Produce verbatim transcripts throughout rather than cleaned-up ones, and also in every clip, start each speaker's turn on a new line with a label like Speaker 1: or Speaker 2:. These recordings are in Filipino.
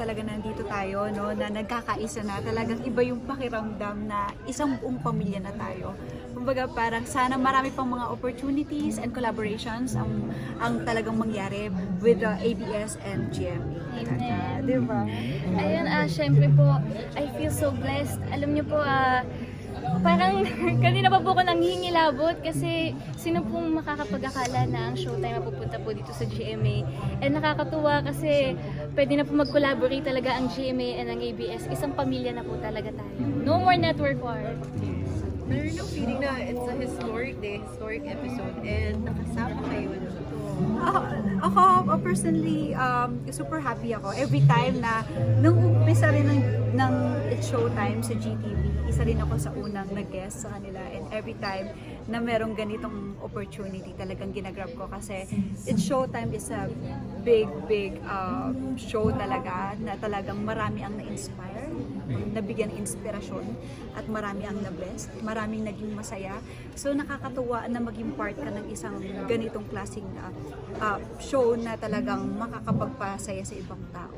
Speaker 1: talaga nandito tayo, no, na nagkakaisa na, talagang iba yung pakiramdam na isang buong pamilya na tayo. Kumbaga parang sana marami pang mga opportunities and collaborations ang ang talagang mangyari with the A B S and G M A.
Speaker 2: Amen.
Speaker 1: Di ba?
Speaker 2: Ayun, ah, syempre po, I feel so blessed. Alam niyo po, ah, parang kanina pa po ako nanghihingilabot kasi sino pong makakapag-akala na ang Showtime mapupunta po dito sa G M A. And nakakatuwa kasi pwede na po mag-collaborate talaga ang G M A and ang A B S. Isang pamilya na po talaga tayo. No more network war.
Speaker 3: Meron yung feeling na it's a historic day, historic episode, and nakasama kayo na ito.
Speaker 1: Ako, ako uh, personally, um, super happy ako. Every time na, nung umpisa rin ng, ng It's Showtime sa G T V, isa rin ako sa unang nag-guest sa kanila. And every time na merong ganitong opportunity, talagang ginagrab ko kasi It's Showtime is a big, big uh, show talaga na talagang marami ang na-inspire, nabigyan ng inspirasyon, at marami ang na-blessed, maraming naging masaya. So nakakatuwa na maging part ka ng isang ganitong klaseng uh, uh, show na talagang makakapagpasaya sa ibang tao.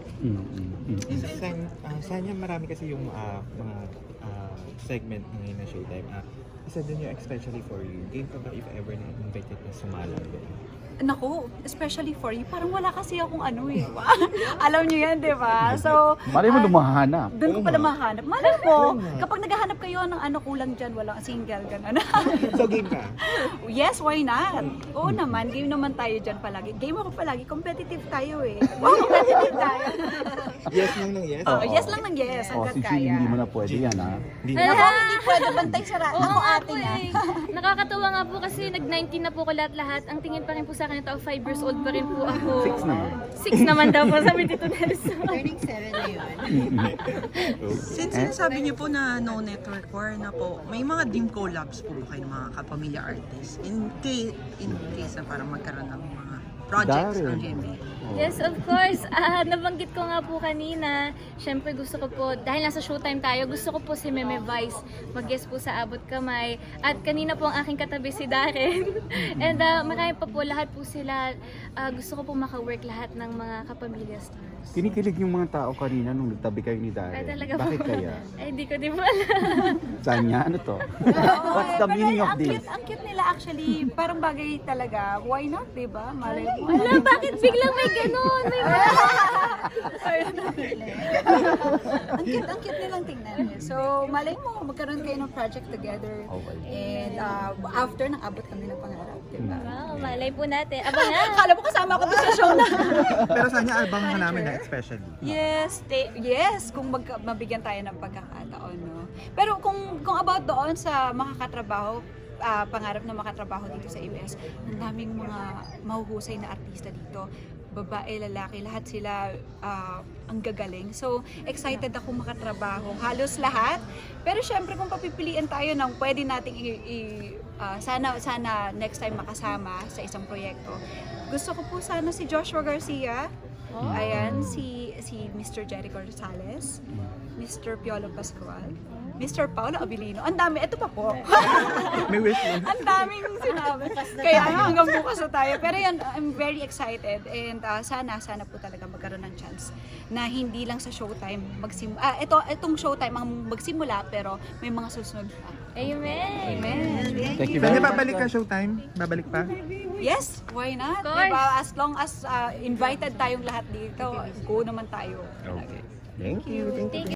Speaker 4: San, uh, Sanya marami kasi yung uh, mga uh, segment ngayon na Showtime. Uh, isa din yung especially for you. Game ka ba if ever na invited na sumalang doon?
Speaker 1: Nako, especially for you, parang wala kasi akong ano eh. Alam niyo yan, di ba? So,
Speaker 5: Malay mo
Speaker 1: ah,
Speaker 5: lumahanap.
Speaker 1: doon ko pala mahanap. Malay mo, kapag naghahanap kayo ng ano, kulang dyan, walang single, gano'n.
Speaker 4: So game ka?
Speaker 1: Yes, why not? Oo naman, game naman tayo dyan palagi. Game ako palagi, competitive tayo eh. Wow, competitive tayo.
Speaker 4: Yes lang ng yes?
Speaker 1: Oh, yes lang ng yes,
Speaker 5: Oh,
Speaker 1: hanggat
Speaker 5: si G,
Speaker 1: kaya.
Speaker 5: hindi mo na pwede yan, ha?
Speaker 4: Hindi
Speaker 1: Ako,
Speaker 4: na.
Speaker 1: hindi pwede bantay sa ra-
Speaker 2: Oo
Speaker 1: ako
Speaker 2: nga
Speaker 1: ate
Speaker 2: po
Speaker 1: na.
Speaker 2: eh. Nakakatawa nga po kasi nag nineteen na po ko lahat-lahat. Ang tingin pa rin po sa akin ito, five years old pa rin po ako.
Speaker 5: Six naman.
Speaker 2: Six naman daw po, sabi Tito Nelson.
Speaker 3: Turning seven na yun.
Speaker 6: Since sinasabi niyo po na no network war na po, may mga dream collabs po ba kayo ng mga kapamilya artists? In case, in case na parang magkaroon ng mga projects
Speaker 5: Daryl.
Speaker 6: ng G M A.
Speaker 2: Yes, of course. Ah, nabanggit ko nga po kanina, syempre gusto ko po, dahil nasa Showtime tayo, gusto ko po si Meme Vice mag-guest po sa Abot Kamay. At kanina po ang aking katabi si Darren. And uh, marami pa po, lahat po sila, ah, gusto ko po maka-work lahat ng mga kapamilya stars.
Speaker 5: Kinikilig yung mga tao kanina nung nagtabi kayo ni
Speaker 2: Ay,
Speaker 5: Darren.
Speaker 2: talaga po.
Speaker 5: Bakit kaya?
Speaker 2: Ay, hindi ko din po alam.
Speaker 5: Sanya, ano to?
Speaker 1: Oo,
Speaker 5: What's
Speaker 1: eh,
Speaker 5: the
Speaker 1: pero
Speaker 5: meaning of
Speaker 1: ang
Speaker 5: this?
Speaker 1: Cute, ang cute nila actually, parang bagay talaga. Why not, di ba? Malay mo.
Speaker 2: Wala, bakit biglang may ganun? May
Speaker 1: ang cute, ang cute nilang tingnan eh. So, malay mo, magkaroon kayo ng project together.
Speaker 5: Okay.
Speaker 1: And uh, after, nang abot kami ng pangarap, di ba?
Speaker 2: Wow, malay po natin. Abangan!
Speaker 1: Akala mo kasama ako doon sa show na.
Speaker 4: Pero Sanya, abangan ka namin na especially.
Speaker 1: Yes, te- yes, kung mag mabigyan tayo ng pagkakataon, no. Pero kung kung about doon sa makakatrabaho, ah, pangarap na makatrabaho dito sa A B S, ang daming mga mahuhusay na artista dito. Babae, lalaki, lahat sila ah, ang gagaling. So, excited ako makatrabaho. Halos lahat. Pero syempre kung papipilian tayo ng pwede nating i- i- ah, sana sana next time makasama sa isang proyekto. Gusto ko po sana si Joshua Garcia. Ayan, si si Mister Jericho Rosales, Mister Piolo Pascual, Mister Paolo Abilino. Ang dami, ito pa po.
Speaker 4: May wish lang.
Speaker 1: Ang daming sinabi. Kaya nga hanggang bukas na tayo. Pero yan, I'm very excited and uh, sana, sana po talaga magkaroon ng chance na hindi lang sa Showtime magsim ah, ito, itong Showtime ang magsimula pero may mga susunod pa.
Speaker 2: Amen!
Speaker 1: Amen.
Speaker 5: Thank you
Speaker 4: Sanya,
Speaker 5: very much.
Speaker 4: babalik ka Showtime? Babalik pa?
Speaker 1: Yes, why not?
Speaker 2: Of course.
Speaker 1: Diba? As long as uh, invited tayong lahat dito, go naman tayo.
Speaker 4: Okay.
Speaker 5: Thank you.
Speaker 2: Thank you.